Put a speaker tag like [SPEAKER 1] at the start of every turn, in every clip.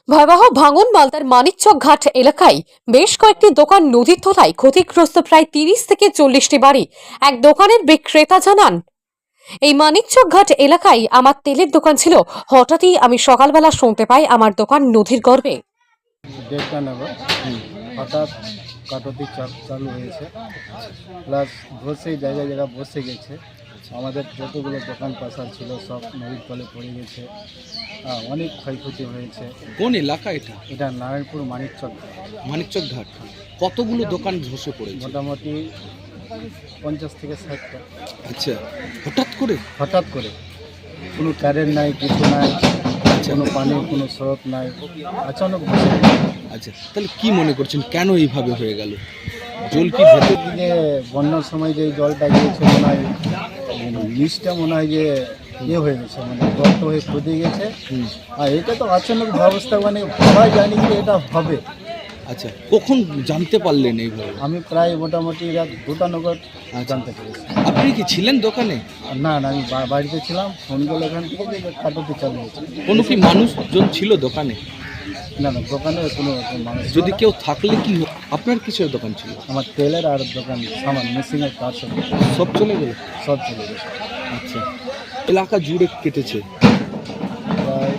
[SPEAKER 1] ভয়াবহ ভাঙন মালদার মানিকচক ঘাট এলাকায় বেশ কয়েকটি দোকান নদীর তলায়, ক্ষতিগ্রস্ত প্রায় 30 থেকে 40টি বাড়ি। এক দোকানের বিক্রেতা জানান, এই মানিকচক ঘাট এলাকায় আমার তেলের দোকান ছিল। হঠাৎই আমি সকালবেলা শুনতে পাই আমার দোকান নদীর গর্ভে।
[SPEAKER 2] 1:30টা নাগাদ হঠাৎ কাটতি চালু হয়েছে, প্লাস বসে জায়গায় জায়গা বসে গেছে। আমাদের যতগুলো দোকান পাশার ছিল সব নদীর তলে পড়ে গেছে। অনেক ক্ষয়ক্ষতি হয়েছে।
[SPEAKER 3] কোন এলাকা এটা?
[SPEAKER 2] এটা নারায়ণপুর মানিকচক।
[SPEAKER 3] মানিকচক ঘাট। কতগুলো দোকান ধসে পড়েছে?
[SPEAKER 2] মোটামুটি 50 থেকে 60টা।
[SPEAKER 3] আচ্ছা, হঠাৎ করে
[SPEAKER 2] কোনো কারেন্ট নাই, কিছু নাই, কোনো পানির কোনো স্রোত নাই, আচানক বসে গেছে।
[SPEAKER 3] আচ্ছা, তাহলে কি মনে করছেন কেন এইভাবে হয়ে গেল? জল কি ভেতর
[SPEAKER 2] যে বন্যার সময় যে জলটা গিয়েছে মনে হয় নিচটা মনে হয় যে হয়ে গেছে, মানে গর্ত হয়ে খুঁজে গেছে। আর এটা তো আচানক ব্যবস্থা, মানে সবাই জানি যে এটা হবে।
[SPEAKER 3] আচ্ছা, কখন জানতে পারলেন এইভাবে?
[SPEAKER 2] আমি প্রায় মোটামুটি রাত 2টা নাগাদ জানতে পেরেছি।
[SPEAKER 3] আপনি কি ছিলেন দোকানে?
[SPEAKER 2] না না, আমি বাড়িতে ছিলাম। ফোন করলে এখান থেকে যে কাটতে চালু হয়েছে।
[SPEAKER 3] কোনো কি মানুষজন ছিল দোকানে?
[SPEAKER 2] না না, দোকানে কোনো মানুষ ছিল
[SPEAKER 3] যদি
[SPEAKER 2] না।
[SPEAKER 3] কেউ থাকলে কি আপনার কিসের দোকান ছিল?
[SPEAKER 2] আমার তেলের আর দোকান সামান মেশিনের কাজ
[SPEAKER 3] সব চলে গেল?
[SPEAKER 2] সব চলে গেছে।
[SPEAKER 3] আচ্ছা, এলাকা জুড়ে কেটেছে
[SPEAKER 2] প্রায়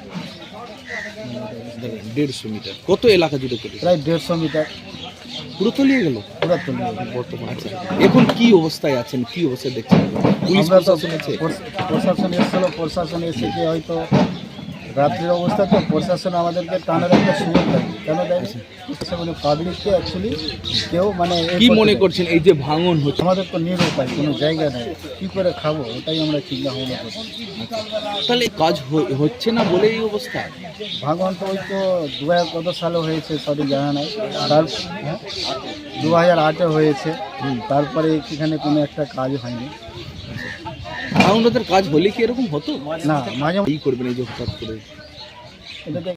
[SPEAKER 3] 150 মিটার। কত এলাকা জুড়ে কেটেছে?
[SPEAKER 2] প্রায় 150 মিটার
[SPEAKER 3] পুরো তলিয়ে গেল
[SPEAKER 2] পুরো চলে গেছে।
[SPEAKER 3] বর্তমানে। আচ্ছা, এখন কি অবস্থায় আছেন, কি অবস্থায় দেখছেন? পুলিশ
[SPEAKER 2] আমরা তো
[SPEAKER 3] প্রশাসন আছে?
[SPEAKER 2] প্রশাসন এসেছিল, প্রশাসন এসে যে হয়তো রাত্রির অবস্থা তো প্রশাসন আমাদেরকে টানার একটা সুযোগ দেয়। কেন দেয়? মানে পাবলিককে অ্যাকচুয়ালি কেউ মানে
[SPEAKER 3] কি মনে করছেন এই যে ভাঙন হচ্ছে?
[SPEAKER 2] আমাদের তো নিরুপায়, কোনো জায়গা নেই, কী করে খাবো ওটাই আমরা চিন্তা ভাবনা করছি।
[SPEAKER 3] তাহলে কাজ হচ্ছে না বলে এই অবস্থা?
[SPEAKER 2] ভাঙন তো ওই তো 2000 কত সালে হয়েছে সঠিক জানা নাই। তার 2008-এ হয়েছে। তারপরে এখানে কোনো একটা কাজ হয়নি।
[SPEAKER 3] ভাঙনদের কাজ হলে কি এরকম হতো
[SPEAKER 2] না, মাঝে
[SPEAKER 3] এই করবেন এই যে হঠাৎ করে?
[SPEAKER 2] এটাতে